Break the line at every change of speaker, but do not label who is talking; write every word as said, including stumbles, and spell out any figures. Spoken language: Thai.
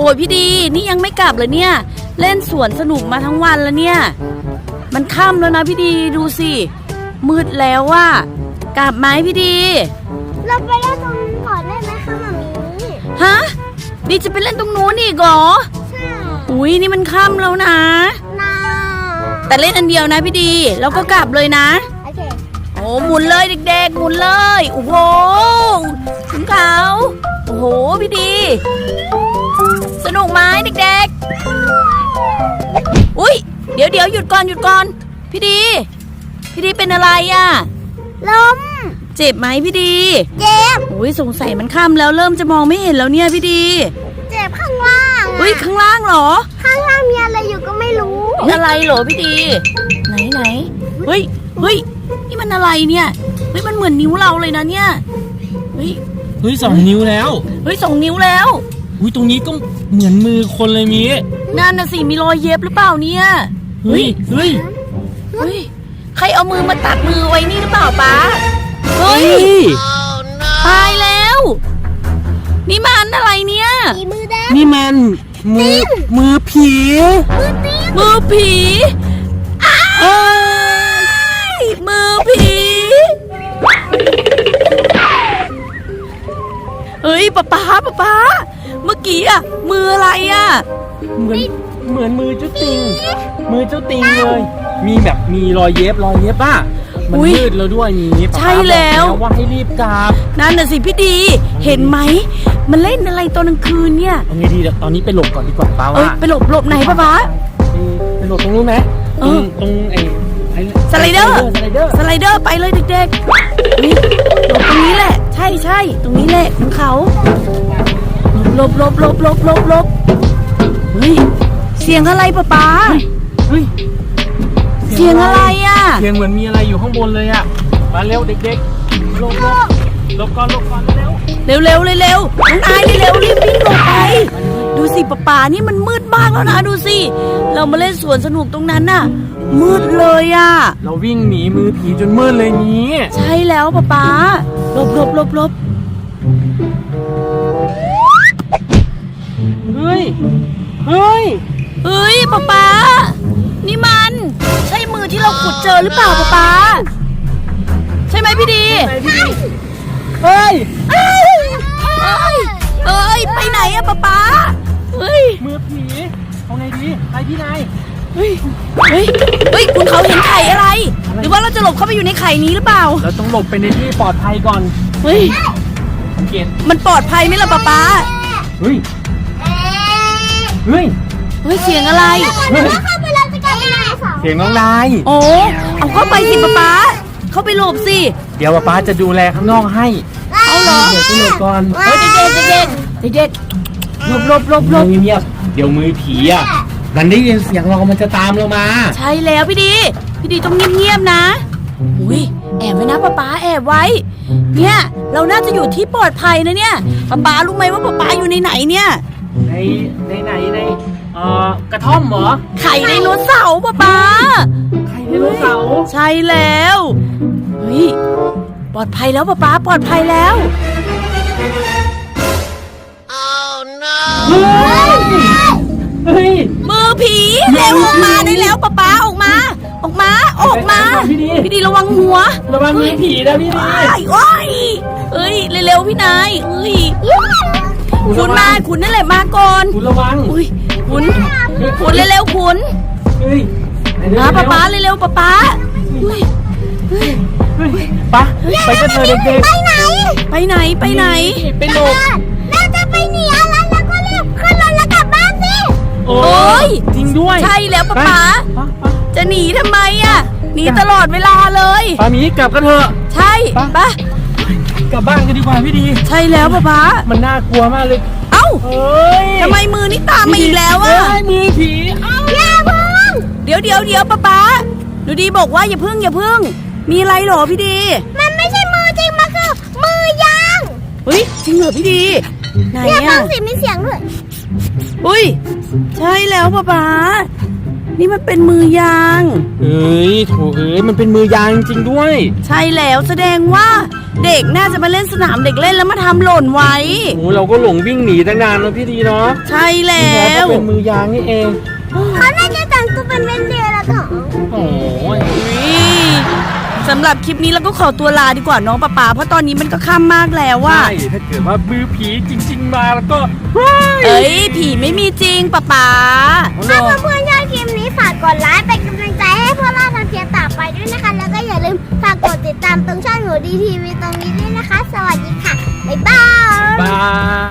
อ้ยพี่ดีนี่ยังไม่กลับเลยเนี่ยเล่นสวนสนุกมาทั้งวันแล้วเนี่ยมันค่ำแล้วนะพี่ดีดูสิมืดแล้วว่ากลับไหมพี่ดี
เราไปเล่นตรงนู้นก่อนได้ไหมคะมามี
ฮะดีจะไปเล่นตรงนู้นอีกเหรอ
ใช่
อุ้ยนี่มันค่ำแล้วนะ
นา
แต่เล่นอันเดียวนะพี่ดีแล้วก็กลับเลยนะ
โอเค
โอ้หมุนเลยเด็กๆหมุนเลยโอ้โหถึงเขาโอ้โหพี่ดีสนุกไหมเด็กๆอุ้ยเดี๋ยวเดี๋ยวหยุดก่อนหยุดก่อนพี่ดีพี่ดีเป็นอะไรอ่ะ
ล้ม
เจ็บไหมพี่ดี
เจ็บ
โอ้ยสงสัยมันค่ำแล้วเริ่มจะมองไม่เห็นแล้วเนี่ยพี่ดี
เจ็บข้างล่าง
อุ้ยข้างล่างเหรอ
ข้างล่างมีอะไรอยู่ก็ไม่รู้
อะไรเหรอพี่ดีไหนไหนเฮ้ยเฮ้ยนี่มันอะไรเนี่ยเฮ้ยมันเหมือนนิ้วเราเลยนะเนี่ยเฮ้ย
เฮ้ยสองนิ้วแล้ว
เฮ้ยสองนิ้วแล้ว
อุ้ยตรงนี้ก็เหมือนมือคนเลยมี
นั่นน่ะสิมีรอยเย็บหรือเปล่าเนี่ย
เฮ้ยเฮ้ย
เฮ้ยใครเอามือมาตัดมือไว้นี่หรือเปล่าป๊าเฮ้ยตายแล้วนี่มันอะไรเนี่ย
มือแดง
นี่มันมือมือผี
มือผีอ้ายมือผีเฮ้ยป๊าป๊าป๊าป๊าเมื่อกี้อะมืออะไรอะ
เหมือนเหมือนมือเจ้าติงมือเจ้าติงเลยมีแบบมีรอยเย็บรอยเย็บป่ะมันมืดแล้วด้วยนี้
ใช่แล้ว
ว่าให้รีบกลับ
นั่นน่ะสิพี่ดีเห็นไหมมันเล่นอะไรตอนกลางคืนเนี่ย
เอาไงดีตอนนี้ไปหลบก่อนดีกว่าป้าว่า
ไปหลบหลบไหนป้าป้า
ไปหลบตรงนู้นไหมตรงตรงไอ้ไอ้
สไลเดอร์สไลเดอร์สไลเดอร์ไปเลยเด็กๆนี่หลบตรงนี้แหละใช่ใช่ตรงนี้แหละของเขาหลบหลบหลบหลบหลบหลบเฮ้ยเสียงอะไรป้าป้า
เฮ้ย
เสียงอะไรอ่ะ
เสียงเหมือนมีอะไรอยู่ข้างบนเลยอ่ะมาเร็วเด็กๆหลบหลบหลบก่อนหลบก่อนเร็ว
เร็วเร็วเร็วน้องนายเร็วรีบวิ่งหลบไปดูสิป้าป้านี่มันมืดมากแล้วนะดูสิเรามาเล่นสวนสนุกตรงนั้นน่ะมืดเลยอ่ะ
เราวิ่งหนีมือผีจนมืดเลยนี้
ใช่แล้วป้าป้าหลบหลบหลบหลบ
เฮ้ยเฮ้ย
เฮ้ยป้าป้านี่มันใช่มือที่เราขุดเจอหรือเปล่าป้าป้าใช่ไหมพี่ดี
เฮ้ย
เอ้ยเอ้ยไปไหนอะป้าป้าเฮ้ย
มือผีเอาไงดีไปที่ไหน
เฮ้ยเฮ้ยเฮ้ยคุณเขาเห็นไข่อะไรหรือว่าเราจะหลบเข้าไปอยู่ในไข่นี้หรือเปล่า
เราต้องหลบไปในที่ปลอดภัยก่อน
เฮ้ย
เกต
มันปลอดภัยไหมล่ะป้าป้า
เฮ้ยเฮ้ย
เฮ้ยเสียงอะไร
เสียงน้องนาย
โอ้เอาเข้าไปสิป้าป้าเข้าไปหลบสิ
เดี๋ยวป้าป้าจะดูแลข้างนอกให้
เอาเหรอ
เดี๋ยวไปหลบก่อน
เฮ้ยเด็กเด็กเด็กเด็กหลบหลบหลบหลบ
เงียบเดี๋ยวมือผีอ่ะมันได้ยินเสียงเรามันจะตามเรามา
ใช่แล้วพี่ดีพี่ดีต้องเงียบๆนะอุ้ยแอบไว้นะป้าป้าแอบไว้เนี่ยเราน่าจะอยู่ที่ปลอดภัยนะเนี่ยป้าป้ารู้ไหมว่าป้าป้าอยู่ในไหนเนี่ย
ในในไหนในเอ่อกระท่อมเหรอ
ไข่ไดโนเสาร์ป้าป้า
ไข่ไดโนเสาร์
ใช่แล้วเฮ้ยปลอดภัยแล้วป้าป้าปลอดภัยแล้ว
oh no เฮ้ย
มือผีเร็วออกมาได้แล้วป้าป้าออกมาออกมาออกมาพี่ดีระวังหัว
ระวังมือผีนะพี่ดี
โอ้ยเอ้ยเร็วๆพี่นายเอ้ยคุณมาคุณนั่นแหละมาก่อน
คุณระวัง
อุ้ยคุณคุณเร็วๆคุณ
เฮ้ย
มาป้าป้าเร็วๆป้าป้า
ป้าไปกันเถอะเด็กๆ
ไปไหน
ไปไหนไปไหน
ไปหลบ
น่าจะไปหนีอะไรแล้วก็รีบขึ้นรถแล้วกลับบ้านสิ
โอ้ย
จริงด้วย
ใช่แล้วป้าป้าจะหนีทำไมอ่ะหนีตลอดเวลาเลย
ป้ามีกลับกันเถอะ
ใช่ป้
ากลับบ้านกันดีกว่าพี่ดี
ใช่แล้วป้าป้า
มันน่ากลัวมากเลย
เอ้าทำไมมือนี่ตามมาอีกแล้วอ่ะ
มือผี
เอ้าอย่าพึ่ง
เดี๋ยวเดี๋ยวเดี๋ยวป้าป้าดูดีบอกว่าอย่าพึ่งอย่าพึ่งมีอะไรหรอพี่ดี
มันไม่ใช่มือจริงมันคือมือยาง
เฮ้ยจริงเหรอพี่ดีไหนอ่ะ
ฟังสิมีเสียงด้วย
อุ้ยใช่แล้วป้าป้านี่มันเป็นมือยาง
เอ้ยโถเอ้ยมันเป็นมือยางจริงๆด้วย
ใช่แล้วแสดงว่าเด็กน่าจะมาเล่นสนามเด็กเล่นแล้วมาทำหล่นไว้
โอ้เราก็หลงวิ่งหนีตั้งนานแล้วพี่ดีเนาะ
ใช่แล้
ที่ท้
ว
ก็เป็นมือยางนี่เอง
เขาน่าจะแต่งตัวเป็นเวนเดย์แล้วค่ะ
โอ้ย
อุ๊ยสำหรับคลิปนี้เราก็ขอตัวลาดีกว่าน้องป๊าป๊าเพราะตอนนี้มันก็ค่ำมากแล้วว่า
ใช่ถ้าเกิดว่ามือผีจริง ๆ มาแล้วก็เฮ้ย
เอ้ยผีไม่มีจริงป๊าป๊า
ถ้าเพื่อนๆชอบคลิปนี้ฝากกดไลค์เป็นกำลังใจให้พวกเราทำเพียงต่อไปด้วยนะคะ แล้วก็อย่าลืมฝากกดติดตามตรงช่องหนูดีทีวีตรงนี้ด้วยนะคะ สวัสดีค่ะ บ๊ายบาย
บาย